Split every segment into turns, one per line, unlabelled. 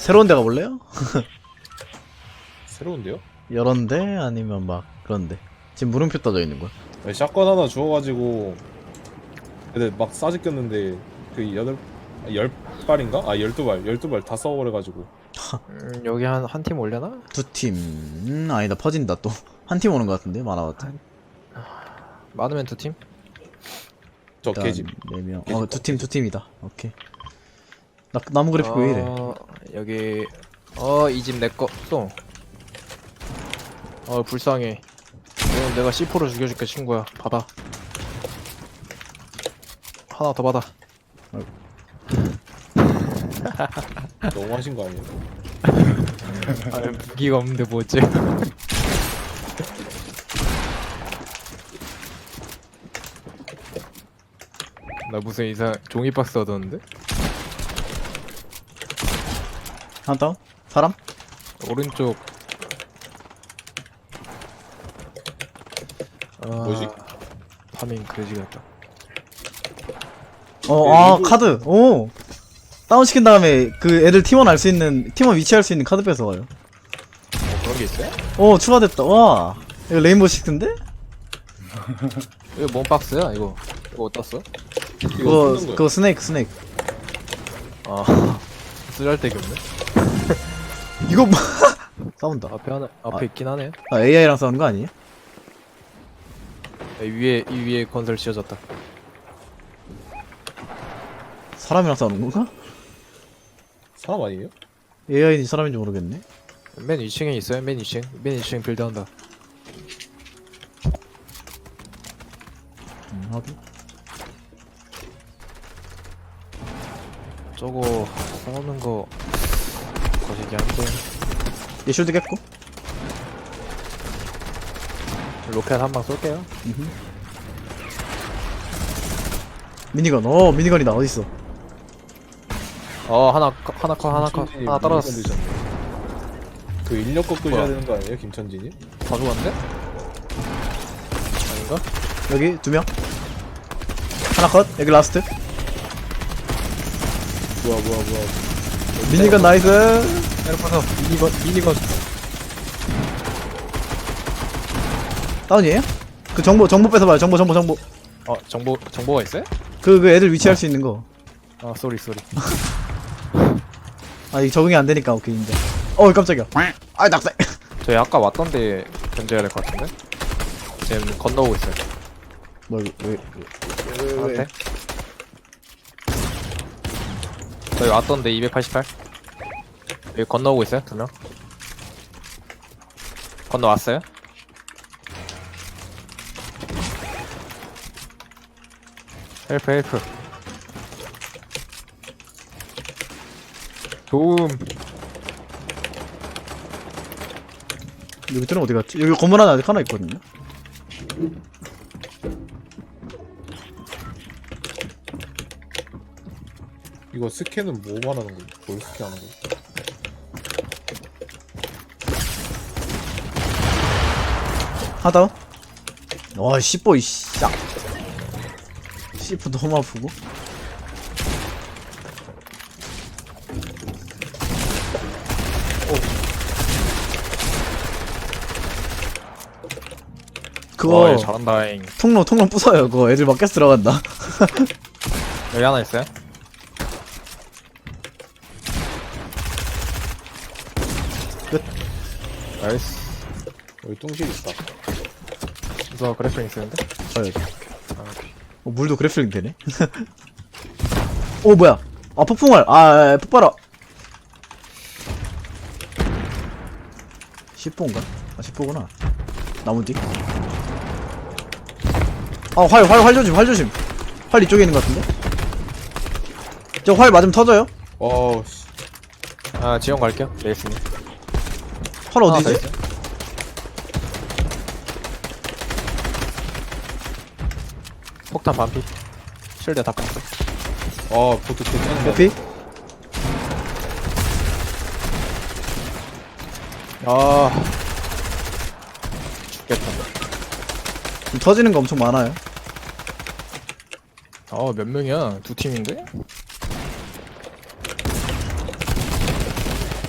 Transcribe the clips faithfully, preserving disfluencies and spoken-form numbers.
새로운 데 가볼래요?
새로운데요?
여런데 아니면 막 그런데. 지금 물음표 떠져 있는 거야.
아니, 샷건 하나 주워가지고 근데 막 싸지 꼈는데 그 여덟 아, 열 발인가? 아 열두 발 열두 발 다 써버려가지고.
음, 여기 한 한 팀 올려나?
두 팀. 음, 아니다. 퍼진다 또. 한 팀 오는 것 같은데 많아봤자.
많으면 두 팀?
저 개집.
네 명.
개집
어, 두 팀, 두 팀이다. 오케이. 나 나무 그래픽 왜 이래?
어, 여기 어 이 집 내꺼 또. 어 불쌍해. 이건 내가 씨포로 죽여줄게 친구야. 받아. 하나 더 받아.
너무 하신 거 아니에요?
아 무기가 없는데 뭐 어째? 나 무슨 이상 종이 박스 얻었는데?
하나 다운? 사람?
오른쪽. 아,
뭐지?
파밍 그지 같다.
어,
네,
아,
이거-
카드. 오. 다운 시킨 다음에 그 애들 팀원 알 수 있는 팀원 위치할 수 있는 카드 뺏어와요.
어, 그런 게 있어요?
오, 추가됐다. 와. 이거 레인보우 식스인데?
이거 뭔 박스야? 이거 이거 어디다 써?
이거
그거
뜯는 거야.
그거 스네이크 스네이크.
아 쓰잘데기 없네.
이거 뭐 싸운다.
앞에 하나 앞에
아.
있긴 하네.
아, 에이아이랑 싸우는 거 아니에요?
이 위에 이 위에 건설 지어졌다.
사람이랑 싸우는 건가?
사람 아니에요?
에이아이인지 사람인지 모르겠네.
맨 이 층에 있어요. 맨 이 층. 맨 이 층 빌드한다.
음, 하긴.
저거 싸우는 거 거시기 한데.
얘 쉴드 깼고.
로켓 한 방 쏠게요.
음흠. 미니건. 어, 미니건이다. 어딨어?
어 하나 커- 하나 커 하나 커
김천진이
하나 떨어졌어.
물건 드셨네. 그 인력 꺾으셔야
뭐야?
되는 거 아니에요, 김천진이?
다 죽었는데? 아닌가?
여기 두 명. 하나 컷. 여기 라스트.
뭐야 뭐야 뭐야.
미니건 나이스.
에르파서 미니건 미니건.
다운이에요? 그 정보 정보 뺏어봐요. 정보 정보 정보.
어 정보 정보가 있어요?
그 그 애들 위치할 수 있는 거.
아 쏘리 쏘리.
아 이게 적응이 안 되니까 오케이 인정. 어 깜짝이야. 아 낙사.
저희 아까 왔던데 견제해야 될 것 같은데? 지금 건너오고 있어요.
뭐 이거 왜?
저한테? 저희 왔던데 이백팔십팔. 여기 건너오고 있어요 두 명. 건너왔어요? 헬프 헬프. 도움.
여기 들은 어디 갔지? 여기 건물 하나 아직 하나 있거든요.
이거 스캔은 뭐 말하는 거지? 뭘 스캔하는 거지?
하나 다운. 와 씨뽀 이씨. 야. 씨뽀 너무 아프고. 그거
와, 얘 잘한다잉.
통로 통로 부숴요. 그거 애들 막 깨서 들어간다.
여기 하나 있어요?
끝.
나이스.
여기 뚱실 있다.
저 그래플 있었는데?
어, 여기.
아, 오케이.
어, 물도 그래플링 되네. 오 뭐야? 아 폭풍알. 아, 아, 아 폭발아. 십포인가? 아 십포구나. 나무 뒤. 아활 활 활 조심 활 조심. 활 이쪽에 있는 것 같은데? 저 활 맞으면 터져요?
어우 씨.
아, 지원 갈게요. 레이스님.
활
하나 더
어디지?
있어요. 폭탄 반피. 실드 다 깠어.
아 보트 괜찮은 거.
에피?
아. 죽겠다.
지금 터지는 거 엄청 많아요.
아, 몇 명이야? 두 팀인데?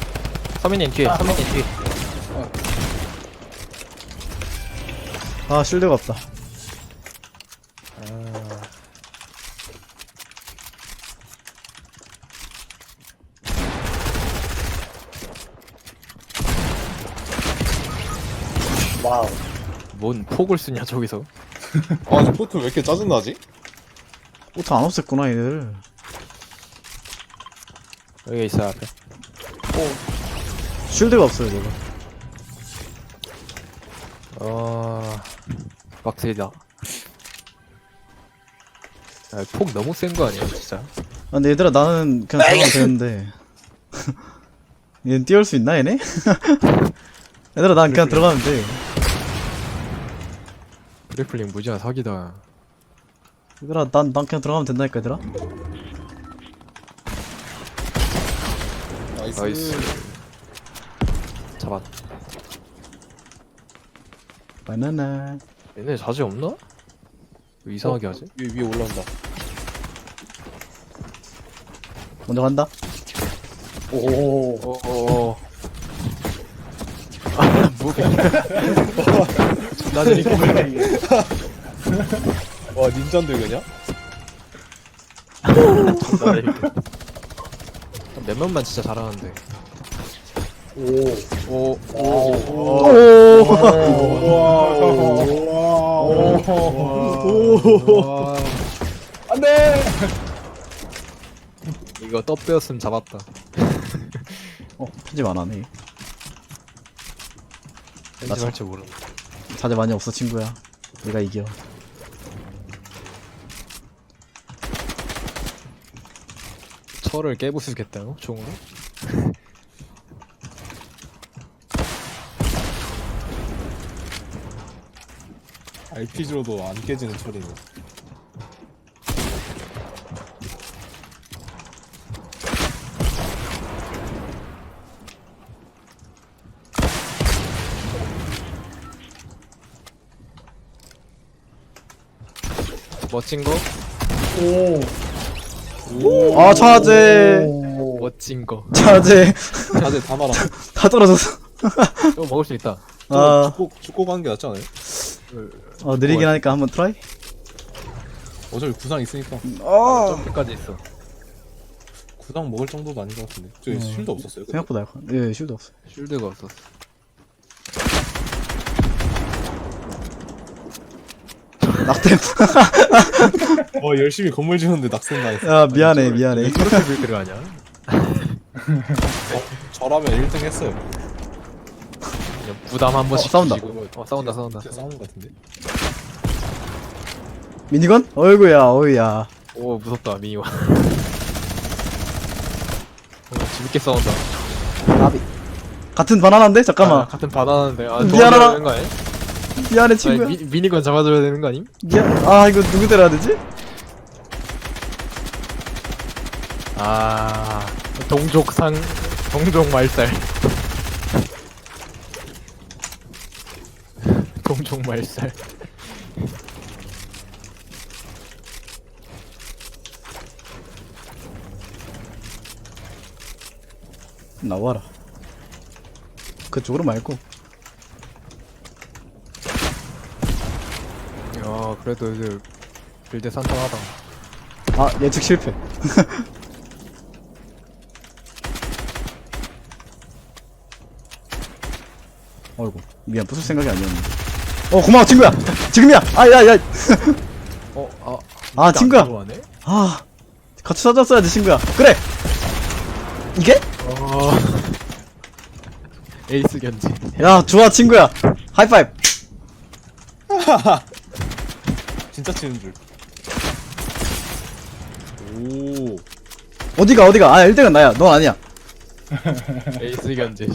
서민님 뒤에 서민님 뒤에.
아 실드가 없다.
와우.
뭔 폭을 쓰냐 저기서.
아, 저 포트 왜 이렇게 짜증나지?
오토 안 없앴구나 얘들.
여기 있어 앞에.
쉴드가 없어요 저거.
어 빡세다. 아, 폭 너무 센 거 아니야 진짜.
아, 근데 얘들아 나는 그냥 들어가면 되는데 얘는 뛰어올 수 있나 얘네? 얘들아 난 그냥 들어가면 돼.
그래플링 무지한 사기다.
얘들아 난, 난 그냥 들어가면 된다니까 얘들아.
나이스.
나이스. 잡았.
바나나.
얘네 자제 없나? 왜 이상하게 하지?
위에, 위에 올라온다.
먼저 간다.
오.
어어. 아 무게. 존나 느리게.
와, 닌자인데 그냥?
존나 느리게. 몇 명만 진짜 잘하는데.
오.
오.
오.
오.
안돼.
이거 떡배였으면 잡았다.
어 편집 안 하네.
편집할 줄 모르는.
자제 많이 없어 친구야. 내가 이겨.
철을 깨부수겠다고? 종으로?
알피지로도 안 깨지는 철이네.
멋진 거?
오.
아 자제.
오.
멋진 거.
자제.
다들 다 말아.
다 떨어졌어.
이거 먹을 수 있다.
아,
죽고, 죽고 가는 게 낫지 않아요?
어 느리긴 하니까 한번 트라이.
어차피 구상 있으니까.
아
점프까지 있어.
구상 먹을 정도도 아닌 것 같은데. 저기
어.
쉴드 없었어요? 근데?
생각보다 약간. 예 쉴드 없어.
쉴드가 없었어.
낙템.
어, 열심히 건물 지었는데 낙생 당했어.
야 미안해 미안해.
저렇게 빌드를 하냐?
저라면 일 등 했어요.
그냥 부담 한 번씩
싸운다.
주시고. 어 싸운다 싸운다.
진짜 싸우는 것 같은데.
미니건? 어이구야 어이야.
오 무섭다 미니와. 어, 재밌게 싸운다.
나비. 같은 바나나인데?
아,
잠깐만.
같은 바나나인데. 아
미안하다.
도와줘야 되는 거 아니야?
미안해
아니,
친구야.
미, 미니건 잡아줘야 되는 거 아님?
미안. 아 이거 누구 때려야 되지?
아 동족상 동족 말살. 동족 말살.
나와라. 그쪽으로 말고.
야 그래도 이제 빌드 산탄하다.
아 예측 실패. 어이구 미안 부술 생각이 아니었는데. 어 고마워 친구야. 지금이야. 아야야.
어? 아
아 친구야.
들어가네?
아 같이 찾았어야지 친구야. 그래. 이게?
어... 에이스 견지.
야 좋아 친구야. 하이파이브.
진짜 치는 줄. 오.
어디가 어디가. 아 일 등은 나야. 넌 아니야.
에이스 견지.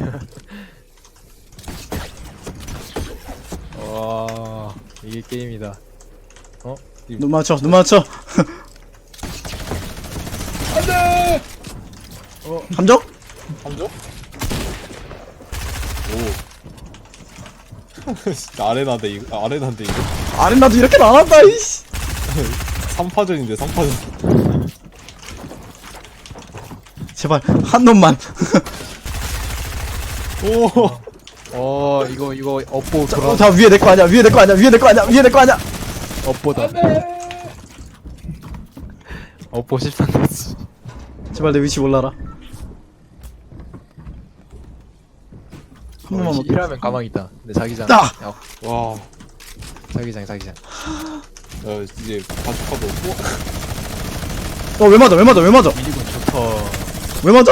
와 이게 게임이다.
눈 맞춰 눈 맞춰.
안돼.
어 함정?
함정? 오. 아레나인데 이거. 아, 아레나인데 이거.
아레나도 이렇게 안 한다 이씨.
삼 파전인데 삼 파전.
제발 한 놈만.
어 이거 이거 업보
자,
돌아
어, 자 위에 내 거 아니야 위에 내 거 아니야 위에 내 거 아니야 위에 내 거 아니야.
업보다 업보 십삼 됐지.
제발 내 위치 몰라라. 한 번만 먹게.
일하면 가망 있다. 근데 자기장.
아!
야,
와.
자기장 자기장.
야 이제 바주카도 없고.
어왜 맞아 왜 맞아 왜 맞아
미리군 좋다.
왜 맞아?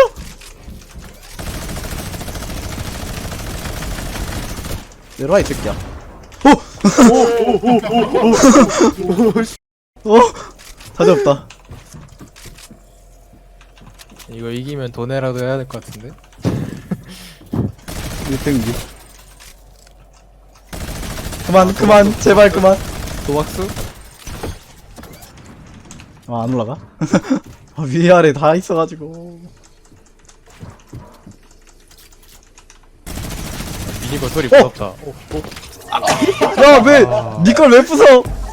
내려와 이 새끼야. 어! 어! 다시 없다.
이거 이기면 돈에라도 해야 될 것 같은데.
일 등기. 그만 그만 제발 그만.
도박수?
아 안 올라가? 아, 위에 아래 다 있어가지고.
미니건 소리 무섭다. 오, 오.
야 왜 니 걸 왜 부숴?